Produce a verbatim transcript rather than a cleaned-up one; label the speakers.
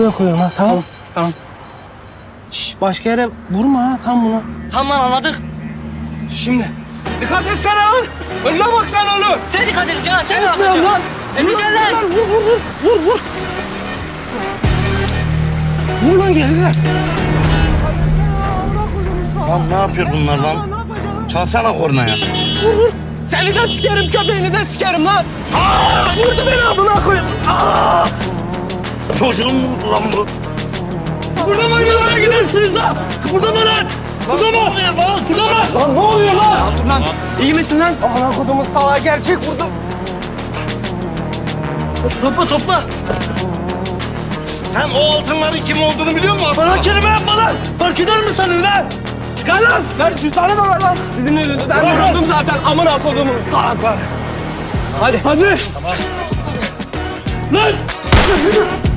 Speaker 1: Buraya koyuyorum ha, tamam.
Speaker 2: Tamam. Tamam.
Speaker 1: Şş, başka yere vurma ha, tam bunu.
Speaker 2: Tamam lan anladık.
Speaker 1: Şimdi. Dikkat etsene lan. Önüne bak sen oğlum.
Speaker 2: Sen dikkat et Can. Sen ne
Speaker 1: Yapmıyorum
Speaker 2: yapacaksın?
Speaker 1: lan.
Speaker 2: Emrecan lan.
Speaker 1: Vur, vur, vur, vur, vur. Vur lan geride.
Speaker 3: Lan ne yapıyor bunlar lan? Çalsana kornaya.
Speaker 1: Vur, vur. Seni de sikerim, köpeğini de sikerim lan. Aa, vurdu beni amına koyayım. Aa!
Speaker 3: Çocuğum mu vurdu lan bu?
Speaker 1: Burada mı yollara gidersiniz lan? Burada mı lan? Burada mı? Burada mı? Lan ne oluyor lan? Ya dur lan. İyi misin lan? Ana kodumun salağı gerçek vurdu. Topla topla.
Speaker 3: Sen o altınların kim olduğunu biliyor musun?
Speaker 1: Bana kelime yapma lan. Fark eder mi sanın lan? Çıkar lan. Ver cüzdanı da ver lan. Sizin yüzünüzden vuruldum zaten. Amına kodumun salaklar. Hadi. Hadi. Tamam. Lan.